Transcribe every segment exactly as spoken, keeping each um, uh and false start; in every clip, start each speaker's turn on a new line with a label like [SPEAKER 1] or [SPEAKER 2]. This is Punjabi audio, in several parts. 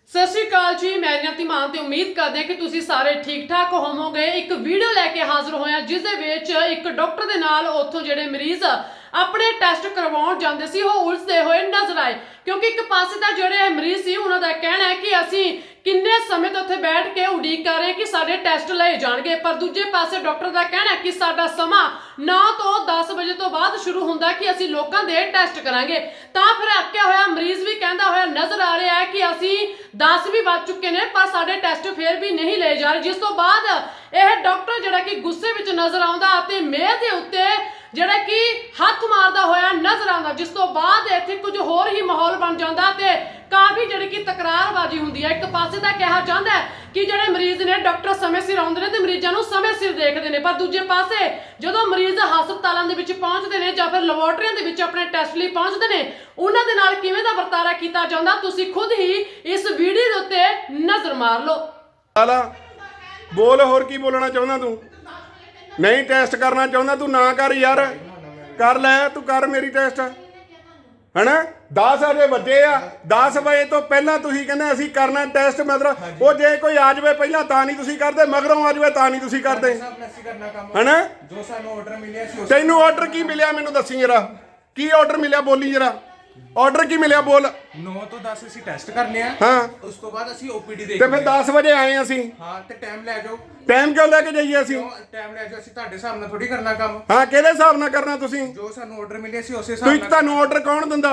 [SPEAKER 1] सत श्री अकाल जी, मैं नियति मान ते उम्मीद करदे कि तुसीं सारे ठीक ठाक होवोगे। एक वीडियो लैके हाज़र होया जिस दे विच एक डॉक्टर दे नाल उत्थों जिहड़े मरीज अपने टैसट करवाउण जांदे सी ओह उलझदे होए नज़र आए, क्योंकि एक पासे तां जिहड़े मरीज सी उन्हां दा कहना है कि असीं किन्ने समय तो उत्थे बैठ के उड़ीक कर रहे कि साडे टैसट लए जाणगे, पर दूजे पासे डॉक्टर दा कहना है कि साडा समा नौ तो दस बजे तो बाद शुरू हुंदा कि असीं लोकां दे टैसट करांगे। तां फिर अक्किया होया मरीज भी कहंदा होया नज़र आ रहा है कि असीं दस भी बज चुके ने पर साडे टैसट फिर भी नहीं ले जा रहे, जिस तो बाद यह डॉक्टर जिहड़ा कि गुस्से विच नज़र आउंदा अते मेज़ दे उत्ते जिहड़ा कि हथ मारदा होया नज़र आउंदा, जिस तो बाद इत्थे कुछ होर ही माहौल बन जांदा ते काफ़ी जिहड़ी कि तकरारबाजी हुंदी है। एक पासे तां कहा जांदा है कि जिहड़े मरीज ने डॉक्टर समय सिर आउंदे ने ते मरीजां नूं समय सिर देखदे ने, पर दूजे पासे जदों मरीज हस्पतालां दे विच पहुंचदे ने जां फिर लैबोरेटरीआं दे विच अपने टैसट लई पहुंचदे ने उन्हां दे नाल किवें दा वरतारा कीता जांदा तुसीं खुद ही इस वीडियो दे उत्ते नज़र मार लो।
[SPEAKER 2] बोल होर की बोलना चाहुंदा तू? नहीं टेस्ट करना चाहुंदा तू ना कर यार, कर लै तू कर मेरी टेस्ट है ना। दस वजे वजे आ, दस बजे तो पहला तुसीं कहंदे असीं करना टेस्ट, मतलब वो जे कोई आ जाए पहला तां नहीं तुसीं करदे, मगरों आ जाए तां नहीं तुसीं करदे है ना। तैनूं ऑर्डर की मिलिया मैनूं दस्सी जरा, की ऑर्डर मिलिया बोली जरा, ऑर्डर की मिलिया बोल।
[SPEAKER 3] नौ तो दस ਅਸੀਂ ਟੈਸਟ ਕਰਨੇ ਆ,
[SPEAKER 2] ਹਾਂ
[SPEAKER 3] ਉਸ ਤੋਂ ਬਾਅਦ ਅਸੀਂ ਓਪੀਡੀ ਦੇਖਦੇ
[SPEAKER 2] ਤੇ ਫਿਰ ਦਸ ਵਜੇ ਆਏ ਅਸੀਂ।
[SPEAKER 3] ਹਾਂ ਤੇ ਟਾਈਮ ਲੈ ਜਾਓ।
[SPEAKER 2] ਟਾਈਮ ਕਿਉਂ ਲੈ ਕੇ ਜਾਈਏ ਅਸੀਂ?
[SPEAKER 3] ਟਾਈਮ ਲੈ ਜਾਓ, ਅਸੀਂ ਤੁਹਾਡੇ ਹਿਸਾਬ ਨਾਲ ਥੋੜੀ ਕਰਨਾ ਕੰਮ।
[SPEAKER 2] ਹਾਂ ਕਿਹਦੇ ਹਿਸਾਬ ਨਾਲ ਕਰਨਾ ਤੁਸੀਂ?
[SPEAKER 3] ਜੋ ਸਾਨੂੰ ਆਰਡਰ ਮਿਲਿਆ ਸੀ ਉਸੇ ਹਿਸਾਬ
[SPEAKER 2] ਤੁਸੀਂ
[SPEAKER 3] ਨਾਲ।
[SPEAKER 2] ਤੁਹਾਨੂੰ ਆਰਡਰ ਕੌਣ ਦਿੰਦਾ?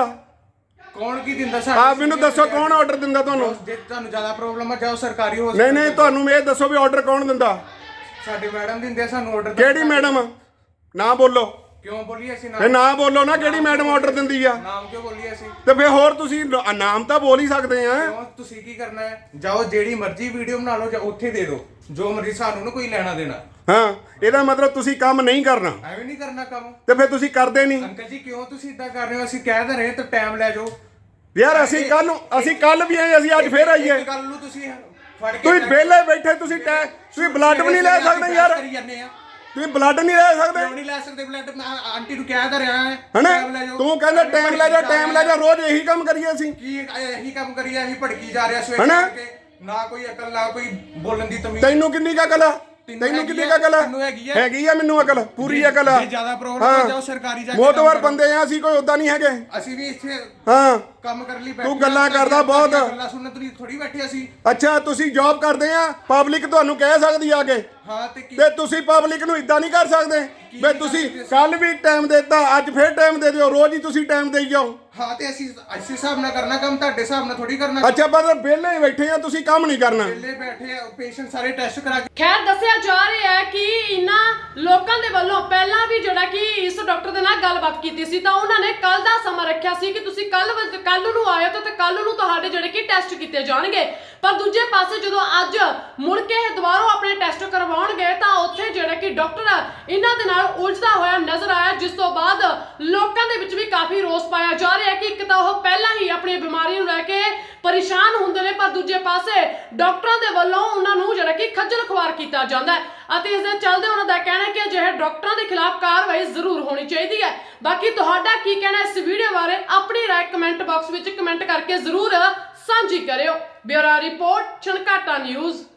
[SPEAKER 3] ਕੌਣ ਕੀ ਦਿੰਦਾ
[SPEAKER 2] ਆ
[SPEAKER 3] ਸਾਨੂੰ?
[SPEAKER 2] ਮੈਨੂੰ ਦੱਸੋ ਕੌਣ ਆਰਡਰ ਦਿੰਦਾ ਤੁਹਾਨੂੰ?
[SPEAKER 3] ਜੇ ਤੁਹਾਨੂੰ ਜ਼ਿਆਦਾ ਪ੍ਰੋਬਲਮ ਆ ਜਾਓ ਸਰਕਾਰੀ
[SPEAKER 2] ਨਹੀਂ
[SPEAKER 3] ਹਸਪਤਾਲ।
[SPEAKER 2] ਨਹੀਂ ਤੁਹਾਨੂੰ ਇਹ ਦੱਸੋ ਵੀ ਆਰਡਰ ਕੌਣ ਦਿੰਦਾ?
[SPEAKER 3] ਸਾਡੇ ਮੈਡਮ ਦਿੰਦੇ ਆ ਸਾਨੂੰ ਆਰਡਰ।
[SPEAKER 2] ਕਿਹੜੀ ਮੈਡਮ? ਨਾ ਬੋਲੋ।
[SPEAKER 3] ਕਿਉਂ ਬੋਲੀਏ ਅਸੀਂ
[SPEAKER 2] ਇਹ ਨਾ ਬੋਲੋ ਨਾ, ਕਿਹੜੀ ਮੈਡਮ ਆਰਡਰ ਦਿੰਦੀ ਆ?
[SPEAKER 3] ਨਾਮ ਕਿਉਂ ਬੋਲੀਏ ਅਸੀਂ?
[SPEAKER 2] ਤੇ ਫਿਰ ਹੋਰ ਤੁਸੀਂ ਨ- ਨਾਮ ਤਾਂ ਬੋਲ ਹੀ ਸਕਦੇ ਆ।
[SPEAKER 3] ਕਿਉਂ ਤੁਸੀਂ ਕੀ ਕਰਨਾ ਹੈ? ਜਾਓ ਜਿਹੜੀ ਮਰਜ਼ੀ ਵੀਡੀਓ ਬਣਾ ਲਓ ਜਾਂ ਉੱਥੇ ਦੇ ਦਿਓ, ਜੋ ਮਰਜ਼ੀ, ਸਾਨੂੰ ਨਾ ਕੋਈ ਲੈਣਾ ਦੇਣਾ।
[SPEAKER 2] ਹਾਂ ਇਹਦਾ ਮਤਲਬ ਤੁਸੀਂ ਕੰਮ ਨਹੀਂ ਕਰਨਾ
[SPEAKER 3] ਐਵੇਂ ਨਹੀਂ ਕਰਨਾ ਕੰਮ।
[SPEAKER 2] ਤੇ ਫਿਰ ਤੁਸੀਂ ਕਰਦੇ ਨਹੀਂ।
[SPEAKER 3] ਅੰਕਲ ਜੀ ਕਿਉਂ ਤੁਸੀਂ ਇਦਾਂ ਕਰ ਰਹੇ ਹੋ? ਅਸੀਂ ਕਹਿ ਤਾਂ ਰਹੇ ਤਾਂ ਟਾਈਮ ਲੈ ਜਾਓ
[SPEAKER 2] ਯਾਰ ਅਸੀਂ ਕੱਲ ਨੂੰ ਅਸੀਂ ਕੱਲ ਵੀ ਆਏ, ਅਸੀਂ ਅੱਜ ਫੇਰ ਆਈਏ।
[SPEAKER 3] ਗੱਲ ਨੂੰ ਤੁਸੀਂ ਫੜ ਕੇ
[SPEAKER 2] ਤੁਸੀਂ ਵਿਹਲੇ ਬੈਠੇ, ਤੁਸੀਂ ਟੈ ਤੁਸੀਂ ਬਲੱਡ ਵੀ ਨਹੀਂ ਲੈ ਸਕਦੇ ਯਾਰ,
[SPEAKER 3] ਕਰੀ ਜਾਂਦੇ ਆ।
[SPEAKER 2] ਤੁਸੀਂ ਬਲੱਡ ਨਹੀਂ ਲੈ ਸਕਦੇ
[SPEAKER 3] ਕਿਉਂ ਨਹੀਂ ਲੈ ਸਕਦੇ ਬਲੱਡ? ਮੈਂ ਆਂਟੀ ਨੂੰ ਕਹਿ ਤਾਂ ਰਿਹਾ ਹੈ
[SPEAKER 2] ਹਨਾ।
[SPEAKER 3] ਟਾਈਮ ਲੈ ਜਾਓ।
[SPEAKER 2] ਤੂੰ ਕਹਿੰਦਾ ਟਾਈਮ ਲੈ ਜਾ, ਟਾਈਮ ਲੈ ਜਾ, ਰੋਜ਼ ਇਹੀ ਕੰਮ ਕਰੀਏ ਅਸੀਂ।
[SPEAKER 3] ਕੀ ਇਹੀ ਕੰਮ ਕਰੀਏ ਅਸੀਂ? ਭੜਕੀ ਜਾ ਰਿਹਾ ਸਵੇਰੇ
[SPEAKER 2] ਹਨਾ।
[SPEAKER 3] ਕਰਕੇ, ਨਾ ਕੋਈ ਅਕਲ ਨਾ ਕੋਈ ਬੋਲਣ ਦੀ ਤਮੀਜ਼।
[SPEAKER 2] ਤੈਨੂੰ ਕਿੰਨੀ ਕੁ ਅਕਲ ਆ? ਤੈਨੂੰ ਕਿੰਨੀ ਕੁ ਅਕਲ ਆ?
[SPEAKER 3] ਤੈਨੂੰ ਹੈਗੀ ਆ?
[SPEAKER 2] ਹੈਗੀ ਆ ਮੈਨੂੰ ਅਕਲ, ਪੂਰੀ ਅਕਲ ਆ।
[SPEAKER 3] ਜੇ ਜ਼ਿਆਦਾ ਪ੍ਰੋਬਲਮ ਹੋ ਜਾਓ ਸਰਕਾਰੀ ਜਾ ਕੇ
[SPEAKER 2] ਮੋਤਵਰ
[SPEAKER 3] ਕੰਮ
[SPEAKER 2] ਬੰਦੇ ਆ ਅਸੀਂ, ਕੋਈ ਉਦਾਂ ਨਹੀਂ ਹੈਗੇ।
[SPEAKER 3] ਕਰੋ। ਅਸੀਂ ਵੀ ਇੱਥੇ
[SPEAKER 2] ਹਾਂ
[SPEAKER 3] ਕੰਮ ਕਰਨ ਲਈ ਬੈਠੇ
[SPEAKER 2] ਤੂੰ ਗੱਲਾਂ
[SPEAKER 3] ਹਾਂ,
[SPEAKER 2] ਕਰਦਾ ਬਹੁਤ।
[SPEAKER 3] ਗੱਲਾਂ ਸੁਣਨ ਤੋਂ ਥੋੜੀ ਬੈਠੇ ਅਸੀਂ।
[SPEAKER 2] ਅੱਛਾ ਤੁਸੀਂ ਜੌਬ ਕਰਦੇ ਆ, ਪਬਲਿਕ ਤੁਹਾਨੂੰ ਕਹਿ ਸਕਦੀ ਆ ਕੇ,
[SPEAKER 3] ਹਾਂ ਤੇ ਕੀ
[SPEAKER 2] ਤੇ ਤੁਸੀਂ ਪਬਲਿਕ ਨੂੰ ਇਦਾਂ ਨਹੀਂ ਕਰ ਸਕਦੇ ਵੀ ਤੁਸੀਂ ਕੱਲ ਵੀ ਟਾਈਮ ਦਿੱਤਾ ਅੱਜ ਫੇਰ ਟਾਈਮ ਦੇ ਦਿਓ, ਰੋਜ਼ ਹੀ ਤੁਸੀਂ ਟਾਈਮ ਦੇਈ ਜਾਓ।
[SPEAKER 3] ਹਾਂ ਤੇ ਅਸੀਂ ਇਸੇ ਹਿਸਾਬ ਨਾਲ ਕਰਨਾ ਕੰਮ, ਤੁਹਾਡੇ ਹਿਸਾਬ ਨਾਲ ਥੋੜੀ ਕਰਨਾ।
[SPEAKER 2] ਅੱਛਾ ਪਰ ਵਿਹਲੇ ਹੀ ਬੈਠੇ ਆ, ਤੁਸੀਂ ਕੰਮ ਨਹੀਂ ਕਰਨਾ।
[SPEAKER 3] ਵਿਹਲੇ ਬੈਠੇ ਆ, ਪੇਸ਼ੈਂਟ ਸਾਰੇ ਟੈਸਟ ਕਰਾ ਕੇ।
[SPEAKER 1] ਖੈਰ ਦੱਸਿਆ ਜਾ ਰਿਹਾ ਹੈ ਕਿ ਇਹਨਾਂ ਲੋਕਾਂ ਦੇ ਵੱਲੋਂ ਪਹਿਲਾਂ ਵੀ ਜਿਹੜਾ ਕਿ ਇਸ ਡਾਕਟਰ ਦੇ ਨਾਲ ਗੱਲਬਾਤ ਕੀਤੀ ਸੀ ਤਾਂ ਉਹਨਾਂ ਨੇ ਕੱਲ ਦਾ ਸਮਾਂ ਰੱਖਿਆ ਸੀ ਕਿ ਤੁਸੀਂ ਕੱਲ ਕੱਲ ਨੂੰ ਆਇਓ ਤਾਂ ਤੇ ਕੱਲ ਨੂੰ ਤੁਹਾਡੇ ਜਿਹੜੇ ਕਿ ਟੈਸਟ ਕੀਤੇ ਜਾਣਗੇ, ਪਰ ਦੂਜੇ ਪਾਸੇ ਜਦੋਂ ਅੱਜ ਮੁੜ ਕੇ ਇਹ ਦੁਬਾਰਾ ਆਪਣੇ ਟੈਸਟ ਕਰਵਾਉਣ ਗਏ ਤਾਂ ਉੱਥੇ ਜਿਹੜਾ ਕਿ ਡਾਕਟਰ ਇਹਨਾਂ ਦੇ ਨਾਲ ਉਲਝਦਾ ਹੋਇਆ ਨਜ਼ਰ ਆਇਆ, ਜਿਸ ਤੋਂ ਬਾਅਦ ਲੋਕਾਂ ਦੇ ਵਿੱਚ ਵੀ ਕਾਫੀ ਰੋਸ ਪਾਇਆ ਜਾ ਰਿਹਾ ਹੈ ਕਿ ਇੱਕ ਤਾਂ ਉਹ ਪਹਿਲਾਂ ਹੀ ਆਪਣੀ ਬਿਮਾਰੀ ਨੂੰ ਲੈ ਕੇ ਪਰੇਸ਼ਾਨ ਹੁੰਦੇ ਨੇ, ਪਰ ਦੂਜੇ ਪਾਸੇ ਡਾਕਟਰਾਂ ਦੇ ਵੱਲੋਂ ਉਹਨਾਂ ਨੂੰ ਜਿਹੜਾ ਕਿ ਖੱਜਲ ਖੁਆਰ ਕੀਤਾ ਜਾਂਦਾ ਹੈ ਅਤੇ ਇਸ ਦੇ ਚੱਲਦੇ ਉਹਨਾਂ ਦਾ ਕਹਿਣਾ ਹੈ ਕਿ ਅਜਿਹੇ ਡਾਕਟਰਾਂ ਦੇ ਖਿਲਾਫ ਕਾਰਵਾਈ ਜ਼ਰੂਰ ਹੋਣੀ ਚਾਹੀਦੀ ਹੈ। ਬਾਕੀ ਤੁਹਾਡਾ ਕੀ ਕਹਿਣਾ ਇਸ ਵੀਡੀਓ ਬਾਰੇ? ਆਪਣੀ ਰਾਏ ਕਮੈਂਟ ਬਾਕਸ ਵਿੱਚ ਕਮੈਂਟ ਕਰਕੇ ਜ਼ਰੂਰ ਸਾਂਝੀ ਕਰਿਓ। Bureau report, Chhankata news.